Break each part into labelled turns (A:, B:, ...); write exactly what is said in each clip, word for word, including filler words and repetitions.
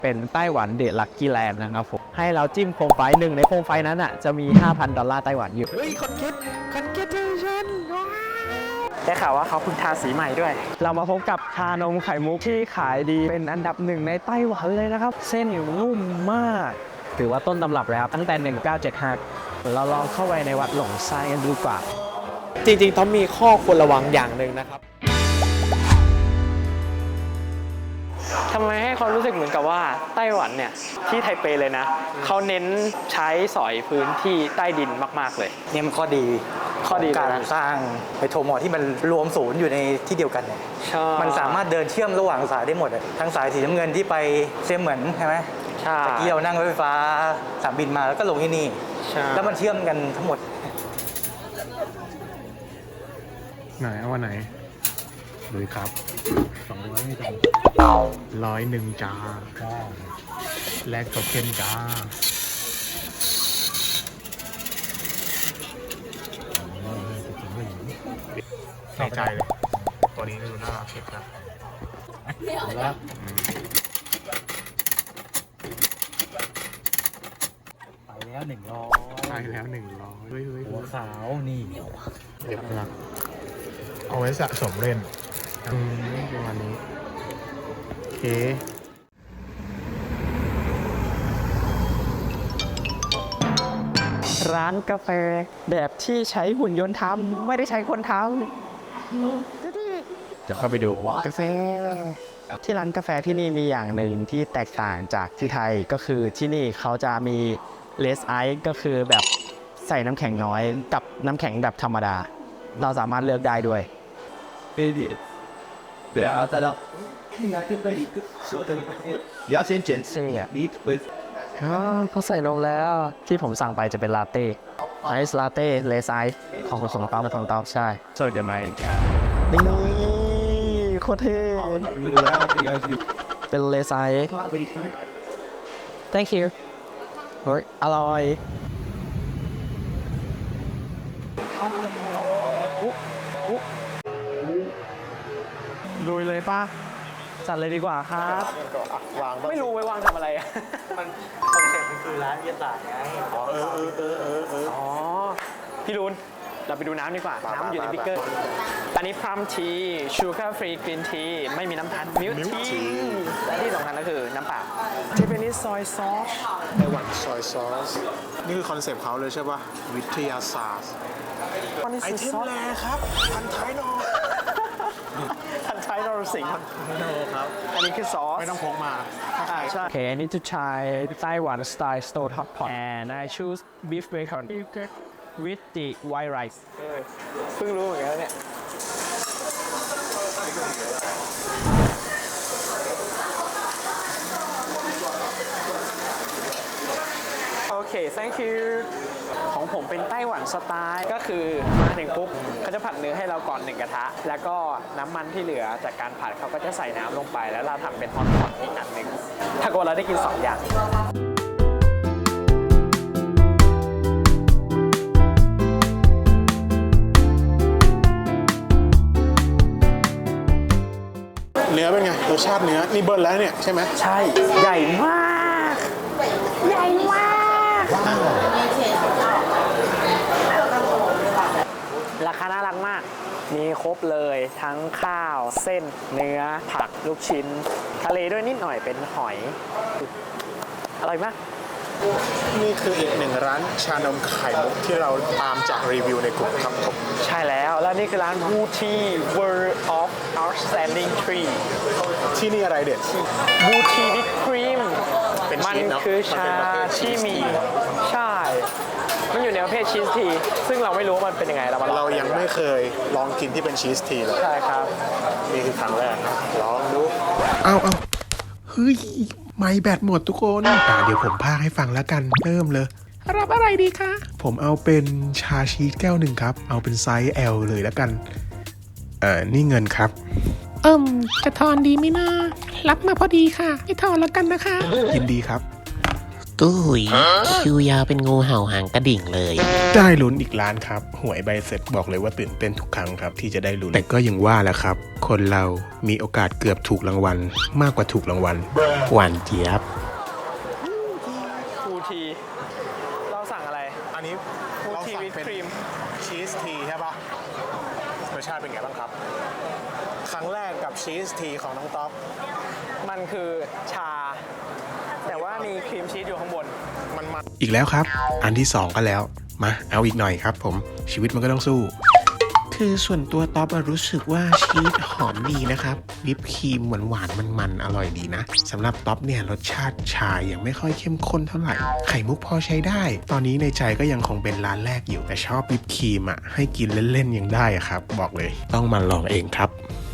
A: เป็นไต้หวันเดอะลัคกี้แลนด์นะครับผมให้เราจิ้มโคมไฟหนึ่งในโคมไฟนั้นอ่ะจะมี ห้าพัน ดอลลาร์ไต้หวันอยู่เฮ้ยคอนเกตคอนเกตชันได้ข่าวว่าเขาเพิ่งทาสีใหม่ด้วยเรามาพบกับชานมไข่มุกที่ขายดีเป็นอันดับหนึ่งในไต้หวันเลยนะครับเส้นอยู่นุ่มมากถือว่าต้นตำรับแล้วตั้งแต่หนึ่งเก้าเจ็ดห้าเราลองเข้าไปในวัดหลงซ่ากันดูกว่าจริงๆต้องมีข้อควรระวังอย่างหนึ่งนะครับทำไมให้ความรู้สึกเหมือนกับว่าไต้หวันเนี่ยที่ไทเปเลยนะเขาเน้นใช้สอยพื้นที่ใต้ดินมากๆเลย
B: เนี่ยมันข้อดี
A: ข้อดี
B: การสร้างไมโทรมอที่มันรวมศูนย์อยู่ในที่เดียวกันเนี่ยมันสามารถเดินเชื่อมระหว่างสายได้หมดทั้งสายสีน้ำเงินที่ไปเซียมเหมือนใช่ไหม
A: ใช่
B: ตะกี้เรานั่งรถไฟฟ้าสามบินมาแล้วก็ลงที่นี่แล้วมันเชื่อมกันทั้งหมด
C: ไหนเอาวันไหนเลยครับสองร้อยไม่ต้องร้อยหนึ่งจ้าแลกโทเค็นจ้าในใจเลยตัวนี้ดูน่ารักเช็คนะแล้ว
B: ไปแล้วหนึ่งร้อย
C: ไปแล้วหนึ่งร้อยเฮ้ยเฮ้ย
B: หัวขาวนี่
C: เด็กรักเอาไว้สะสมเล่นอืมประมาณนี้โอเค
A: ร้านกาแฟแบบที่ใช้หุ่นยนต์ทำไม่ได้ใช้คนทำเดี๋ยวเข้าไปดูกาแฟที่ร้านกาแฟที่นี่มีอย่างหนึ่งที่แตกต่างจากที่ไทยก็คือที่นี่เขาจะมีเลสไอซ์ก็คือแบบใส่น้ำแข็งน้อยกับน้ำแข็งแบบธรรมดาเราสามารถเลือกได้ด้วย不要再到，应该跟那一个说的，你要先检测呀，你会。อ๋อเขาใส่ลงแล้วที่ผมสั่งไปจะเป็นลาเต้ไอซ์ลาเต้เลสไอซ์ของผสมเต้ามาของเต้าใช่สวัสดีไหมนี่โคตรเท่เป็นเลสไอซ์ thank you เฮ้ยอร่อยลุยเลยป่ะจัดเลยดีกว่าครับไม่รู้ไว้วางทำอะไรอ่ะ
B: มันคอนเซ็ปต์มันคือร้านวิทยาศาสตร์ไงอ๋อเออเออเออเออเออ
A: อ๋อพี่รุนเราไปดูน้ำดีกว่าน้ำอยู่ในบิ๊กเกอร์อันนี้พรัมทีชูการ์ฟรีกรีนทีไม่มีน้ำตาลมิลทีและที่สำคัญก็คือน้ำเปล่าเจแปนิสซอยซอส
C: ไต้หวันซอยซอสนี่คือคอนเซ็ปต์เขาเลยใช่ป่ะวิทยาศาสตร์ไอเทมแรครับพันท้ายนอ
A: พันท้ายนอร์สิงห์
C: ครับ
A: อันนี้คือซอส
C: ไม่ต้องพกมา
A: ใช่ใช่ Okay I need to try Taiwan style stove hot pot and I choose beef bacon with the white rice เพิ่งรู้เหมือนกันเนี่ยโอเค thank you ของผมเป็นไต้หวันสไตล์ก็คือมาถึงปุ๊บเขาจะผัดเนื้อให้เราก่อนหนึ่งกระทะแล้วก็น้ำมันที่เหลือจากการผัดเขาก็จะใส่น้ำลงไปแล้วเราทำเป็นฮอตพอตอีกอันหนึ่งถ้าเกิดเราได้กินสองอย่าง
C: เนื้อเป็นไงรสชาติเนื้อนี่เบิร์นแล้วเนี่ยใช่ไหม
A: ใช่ใหญ่มากใหญ่มากราคาน่ารักมากมีครบเลยทั้งข้าวเส้นเนื้อผักลูกชิ้นทะเลด้วยนิดหน่อยเป็นหอยอร่อยมาก
C: นี่คืออีกหนึ่งร้านชานมไข่มุกที่เราตามจากรีวิวในกลุ่มครับผม
A: ใช่แล้วแล้วนี่คือร้าน Booty World of Outstanding Tree
C: ที่นี่อะไรเด็ด
A: Booty with cream
C: มัน
A: คือชาที่มีใช่มันอยู่ในประเภทชีสทีซึ่งเราไม่รู้มันเป็นยังไงเรา
C: เรายังไม่เคยลองกินที่เป็นชีสทีเลย
A: ใช่ครับ
C: นี่คือครั้งแรกนะลองดูเอาเอาเฮ้ยไม่แบตหมดทุกคนอ่าเดี๋ยวผมพากให้ฟังแล้วกันเริ่มเลยรับอะไรดีคะผมเอาเป็นชาชีสแก้วหนึ่งครับเอาเป็นไซส์ L เลยแล้วกันเอ่อนี่เงินครับ
D: เอิ่มจะทอนดีไหมนะรับมาพอดีค่ะไม่ทอนแล้วกันนะคะ
C: ยินดีครับ
D: ตู้หุยคิวยาวเป็นงูเห่าหางกระดิ่งเลย
C: ได้ลุ้นอีกล้านครับ หวยใบเสร็จบอกเลยว่าตื่นเต้นทุกครั้งครับที่จะได้ลุ้นแต่ก็ยังว่าแหละครับ คนเรามีโอกาสเกือบถูกรางวัลมากกว่าถูกรางวัลหวานเจี๊ยบ
A: ฟูที เราสั่งอะไร
C: อันนี้
A: ฟูทีวิปครีม
C: ชีสทีใช่ปะรสชาติเป็นไงบ้างครับ ครั้งแรกกับชีสทีของน้องต๊อก
A: มันคือชา แต่ว่ามีครีมชีสอยู่ข้างบน
C: มันมาอีกแล้วครับ อันที่สองก็แล้วมาเอาอีกหน่อยครับผมชีวิตมันก็ต้องสู้ คือส่วนตัวต๊อบอะรู้สึกว่าชีสหอมดีนะครับวิปครีมหวานๆมันๆอร่อยดีนะสำหรับต๊อบเนี่ยรสชาติชายังไม่ค่อยเข้มข้นเท่าไหร่ไข่มุกพอใช้ได้ ตอนนี้ในใจก็ยังคงเป็นร้านแรกอยู่แต่ชอบวิปครีมอะให้กินเล่นๆยังได้อะครับบอกเลยต้องมาลองเองครับ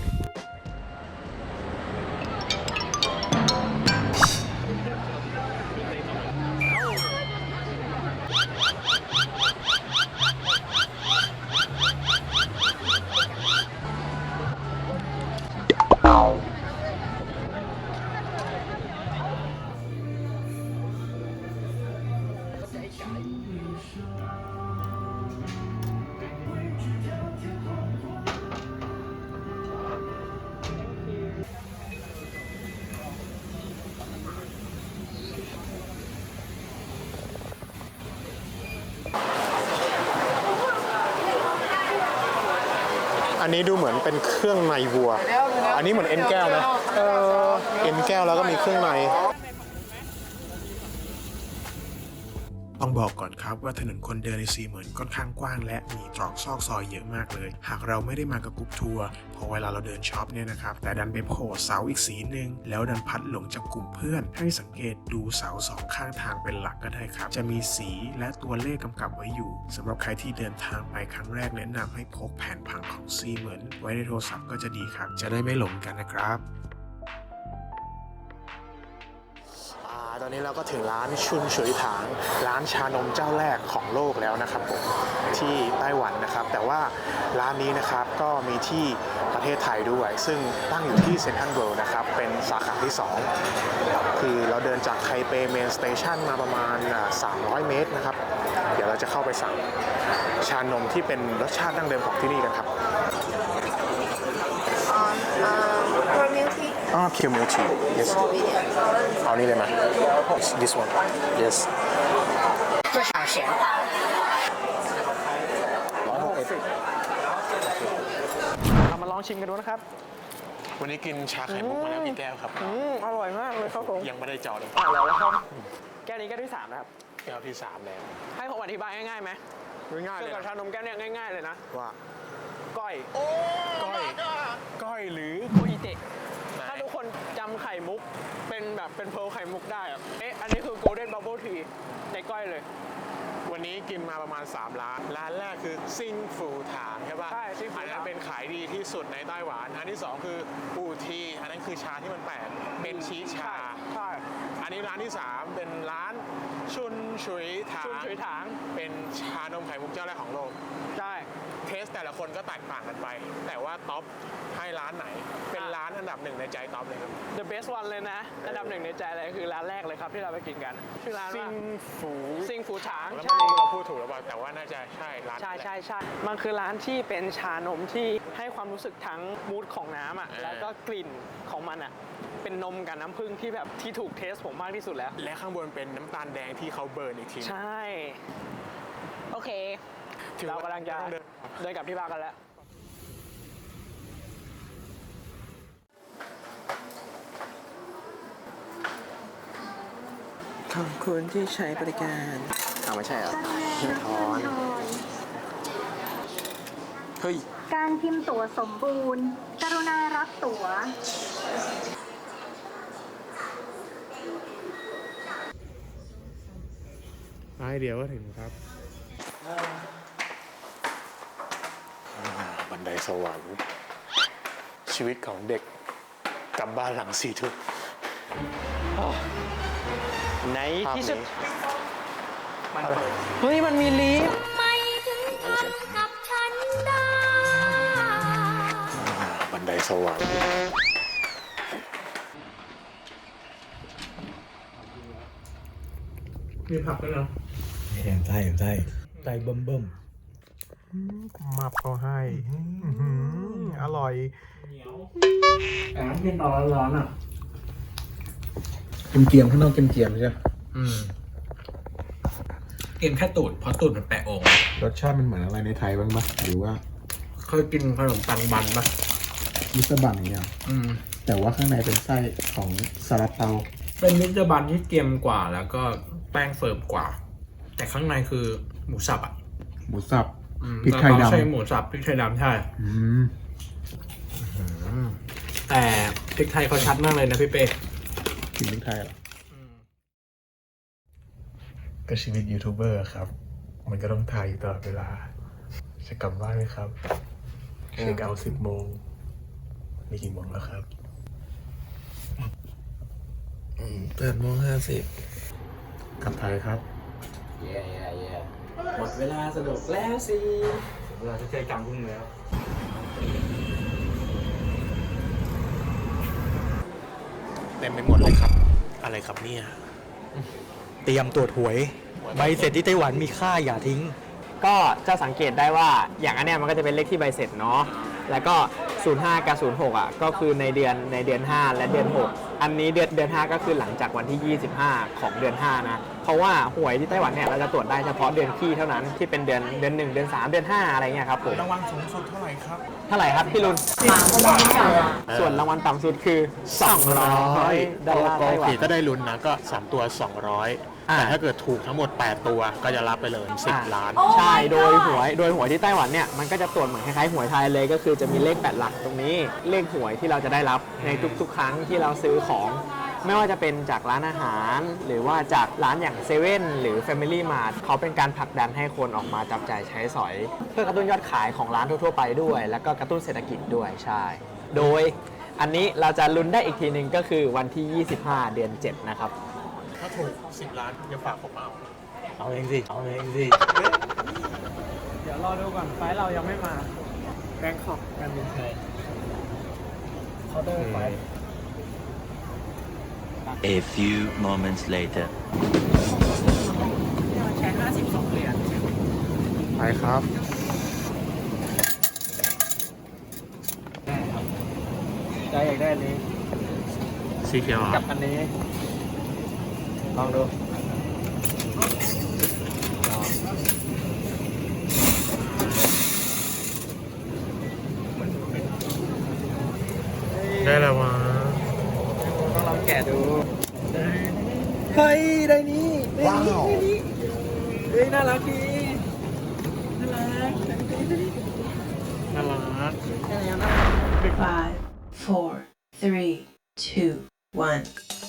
C: อันนี้ดูเหมือนเป็นเครื่องในวัว อันนี้เหมือนเอ็นแก้วนะเออเอ็นแก้วแล้วก็มีเครื่องใน ต้องบอกก่อนครับว่าถนนคนเดินในซีเหมือนค่อนข้างกว้างและมีตรอกซอกซอยเยอะมากเลย หากเราไม่ได้มากับกรุ๊ปทัวร์พอเวลาเราเดินช็อปเนี่ยนะครับแต่ดันไปโผล่เสาอีกสีหนึ่งแล้วดันพัดหลงจากกลุ่มเพื่อนให้สังเกตดูเสาสองข้างทางเป็นหลักก็ได้ครับจะมีสีและตัวเลขกำกับไว้อยู่สำหรับใครที่เดินทางไปครั้งแรกแนะนำให้พกแผนผังของซีเหมือนไว้ในโทรศัพท์ก็จะดีครับจะได้ไม่หลงกันนะครับตอนนี้เราก็ถึงร้านชุนฉุยถางร้านชานมเจ้าแรกของโลกแล้วนะครับผมที่ไต้หวันนะครับแต่ว่าร้านนี้นะครับก็มีที่ประเทศไทยด้วยซึ่งตั้งอยู่ที่เซ็นทรัลเวิลด์นะครับเป็นสาขาที่สองคือเราเดินจากไทเปเมนสเตชันมาประมาณสามร้อยเมตรนะครับเดี๋ยวเราจะเข้าไปสั่งชานมที่เป็นรสชาติดั้งเดิมของที่นี่กันครับอ๋อ Pure Milk Tea yes เอานี่เลยไหม this one yes
E: 多少钱？
A: เรามาลองชิมกันดูนะครับ
C: วันนี้กินชาไข่มุกมาแล้วกี่แก้วครับ
A: อืมอร่อยมากเลยครับผม
C: ยังไม่ได้เจาะเลย
A: อร่อยแล้วครับแก้วนี้แก้วที่สามนะครับ
C: แก้วที่สามแล้ว
A: ให้ผมอธิบายง่ายๆไหม
C: ง่ายๆ
A: เกี่
C: เลย
A: ยวกับชานมแก้วเนี่ยง่ายๆเลยนะ
C: ว่า
A: ก้อย
C: ก้อยก้อยหรือ
A: โคอิเตะถ้าทุกคนจำไข่มุกเป็นแบบเป็นเพร์ลไข่มุกได้อะเอ๊ะอันนี้คือ Golden Bubble Tea ในก้อยเลย
C: วันนี้กินมาประมาณสามร้านร้านแรกคือซิงฟูถางใช่ป่ะ
A: ใช่ซิงฟูถาง
C: อันนั้นเป็นขายดีที่สุดในไต้หวันอันที่สองคือปูทีอันนั้นคือชาที่มันแปลกเป็นชีสชา
A: ใช่
C: อันนี้ร้านที่สามเป็นร้านชุนฉุยถาง
A: ชุนฉุยถาง
C: เป็นชานมไข่มุกเจ้าแรกของโลก
A: ใช่
C: เทสแต่ละคนก็แตกต่างกันไป แต่ว่าท็อปให้ร้านไหน เป็นร้านอันดับหนึ่งในใจท็อปเลยครับ
A: The best one เลยนะ อันดับหนึ่งในใจเลยคือร้านแรกเลยครับที่เราไปกินกันชื่อร้าน
C: ซิ
A: ว่าง
C: ฟู
A: ซิงฟูถาง
C: แล้ว
A: ใช่
C: ไม่รู้เราพูดถูกหรือเปล่าแต่ว่าน่าจะใช่ร้าน
A: ใช่
C: แหละ
A: ใช่ใช่มันคือร้านที่เป็นชานมที่ให้ความรู้สึกทั้งมูดของน้ำอ่ะ
C: เออ
A: แล้วก็กลิ่นของมันอ่ะเป็นนมกับน้ำผึ้งที่แบบที่ถูกเทสผมมากที่สุดแล้ว
C: และข้างบนเป็นน้ำตาลแดงที่เขาเบิร์นอีกที
A: ใช่ โอเค
C: ถือ
A: เรา
C: ว่าก
A: ำลังจะ
C: ต้องเดิน
A: เดินกลับที่บ้านกันแล้ว ขอบคุณที่ใช้บริการเอาไม่ใช่เหรอหิ้งทอน เฮ้ย
E: การพิมพ์ตั๋วสมบูรณ์ กรุณารับตั๋ว
C: ไปเดี๋ยวก็ถึงครับบันไดสวรรค์ชีวิตของเด็กกลับบ้านหลังสี่ทุ่ม
A: ในที่สุด
C: ภาพนี้
A: เฮ้ย มันมีลิฟต์
E: ไม่ถึงทำกับฉันได้
C: บันไดสวรรค์มีผักด้วยนะ
B: แหมไส้ไส้ไส้เบิ่มเบิ่ม
C: มับเขาให้อื้อหืออร่อย
A: แต่มันเป็นตอนร้อนๆอ่ะ
C: เกียมๆข้างนอกเกียมๆใช่ไหม
F: อืมกินแค่ตูดเพราะตูดมันแปะองค์
C: รสชาติมันเหมือนอะไรในไทยบ้างปะหรือว่า
F: เคยกินขนมปังบันปะ
C: มิสเตอร์บันอย่างเงี้ย
F: อืม
C: แต่ว่าข้างในเป็นไส้ของซาลาเปา
F: เป็นมิสเตอร์บันที่เกรียมกว่าแล้วก็แป้งเฟิร์มกว่า แต่ข้างในคือหมูสับอ่ะ
C: หมูสับ
F: อืม
C: พริกไทยดำ
F: ใช่หมูสับพริกไทยดำใช่
C: อืม
F: แต่พริกไทยเขาชัดมากเลยนะพี่เป้
C: กินพริกไทยเหรอก็ชีวิตยูทูบเบอร์ครับ มันก็ต้องถ่ายอยู่ตลอดเวลา จะกลับบ้านไหมครับ เช็คเอาท์สิบโมงนี่กี่โมงแล้วครับ
F: แปดโมงห้าสิบ
C: กลับไทยครับ
F: เย่เย่เย่หมดเวลาสนุกแล้วสิ
B: เวลาจะเจอกลางพุ่งแล้ว
C: เต็มไปหมดเลยครับ อะไรครับเนี่ย
B: เตรียมตรวจหวย ใบเสร็จที่ไต้หวันมีค่าอย่าทิ้ง
A: ก็จะสังเกตได้ว่าอย่างอันเนี้ยมันก็จะเป็นเลขที่ใบเสร็จเนาะแล้วก็ศูนย์ห้ากับศูนย์หกอ่ะก็คือในเดือนในเดือนห้าและเดือนหกอันนี้เดือนเดือนห้าก็คือหลังจากวันที่ยี่สิบห้าของเดือนห้านะเพราะว่าหวยที่ไต้หวันเนี่ยเราจะตรวจได้เฉพาะเดือนขี้เท่านั้นที่เป็นเดือนเดือนหนึ่งเดือนสามเดือนห้าอะไรเงี้ยครับผม
C: รางวัลสูงสุดเท่าไหร่ครับ
A: เท่าไหร่ครับพี่ลุนส่วนรางวัลต่ำสุดคือสองร้อยดอลลาร์ไต้หวัน
C: ถ้าได้ลุ้นนะก็สามตัวสองร้อย
A: อ่า
C: แต่ถ้าเกิดถูกทั้งหมดแปดตัวก็จะรับไปเลยสิบล้าน
A: ใช่ โดยหวย โดยหวยที่ไต้หวันเนี่ย มันก็จะตรวจเหมือนคล้ายๆหวยไทยเลย ก็คือจะมีเลขแปดหลักตรงนี้ เลขหวยที่เราจะได้รับในทุกๆ ครั้งที่เราซื้อของ ไม่ว่าจะเป็นจากร้านอาหาร หรือว่าจากร้านอย่างเซเว่นหรือ Family Mart เขาเป็นการผลักดันให้คนออกมาจับจ่ายใช้สอย เพื่อกระตุ้นยอดขายของร้านทั่วๆไปด้วย แล้วก็กระตุ้นเศรษฐกิจด้วย ใช่ โดยอันนี้เราจะลุ้นได้อีกทีหนึ่งก็คือวันที่ ยี่สิบห้า เดือน เจ็ด นะครับ
C: ถ้าถูกสิบล้านจะฝากผมเอา
B: เอาเองสิ เอาเองสิ
A: เดี๋ยวรอดูก่อนไฟเรายังไม่มาแบงคอกการบินไทยเคาน์เตอร์ไฟ
G: A few moments later.
A: แชร์ห้าสิบสองเหรียญ
C: ไปครับ
A: ใจอยากได้อันนี้
C: สีเขียว
A: กับอันนี้ ลองดู
C: ได้แล้ววะ
A: ต้องลองแกะดู
B: เฮ้ย ได้นี้
C: ว้าว
A: เฮ้ย น่ารักดี
C: น่ารัก
H: Five, four, three, two, one.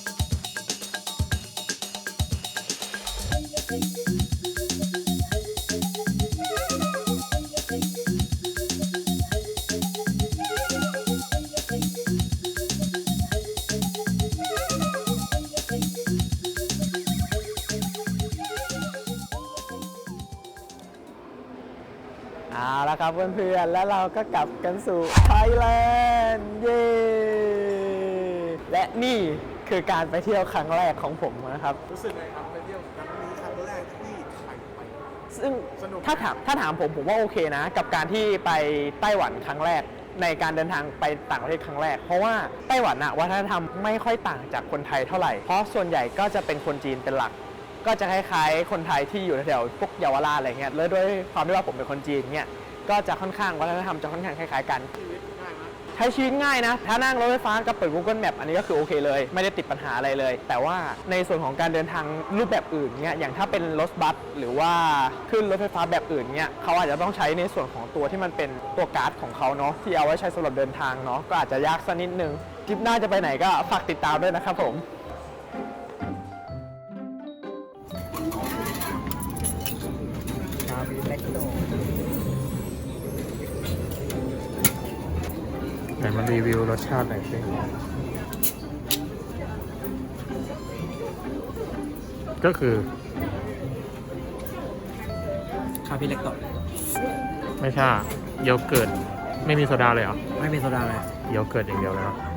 A: เอาละครับเพื่อนๆ แล้วเราก็กลับกันสู่ไทยแลนด์ เย้ และนี่คือการไปเที่ยวครั้งแรกของผมนะครับ
C: รู้สึกไงครับไปเที่ยวครั้งนี้ครั้งแรกที่ไทยไป
A: ซึ่ง
C: สนุก
A: ถ้าถามถ้าถามผมผมว่าโอเคนะ กับการที่ไปไต้หวันครั้งแรกในการเดินทางไปต่างประเทศครั้งแรก เพราะว่าไต้หวันอะวัฒนธรรมไม่ค่อยต่างจากคนไทยเท่าไหร่ เพราะส่วนใหญ่ก็จะเป็นคนจีนเป็นหลัก ก็จะคล้ายๆคนไทยที่อยู่แถวๆพวกเยาวราชอะไรเงี้ยแล้วด้วยความที่ว่าผมเป็นคนจีนเนี่ยก็จะค่อนข้างวัฒนธรรมจะค่อนข้างคล้ายๆกันใช้ชีวิตง่ายนะถ้านั่งรถไฟฟ้าก็เปิด Google Map อันนี้ก็คือโอเคเลยไม่ได้ติดปัญหาอะไรเลย แต่ว่าในส่วนของการเดินทางรูปแบบอื่นเนี่ยอย่างถ้าเป็นรถบัสหรือว่าขึ้นรถไฟฟ้าแบบอื่นเนี่ยเขาอาจจะต้องใช้ในส่วนของตัวที่มันเป็นตัวการ์ดของเขาเนาะที่เอาไว้ใช้สำหรับเดินทางเนาะก็อาจจะยากสักนิดนึงทริปหน้าจะไปไหนก็ฝากติดตามด้วยนะครับผม
C: ไหนมารีวิวรสชาติหน่อยสิก็คือ
F: คาพิเล็กโต
C: ไม่ใช่โยเกิร์ตไม่มีโซดาเลยเหรอ
F: ไม่มีโซดาเลย
C: โยเกิร์ตอย่างเดียวเลยเนาะ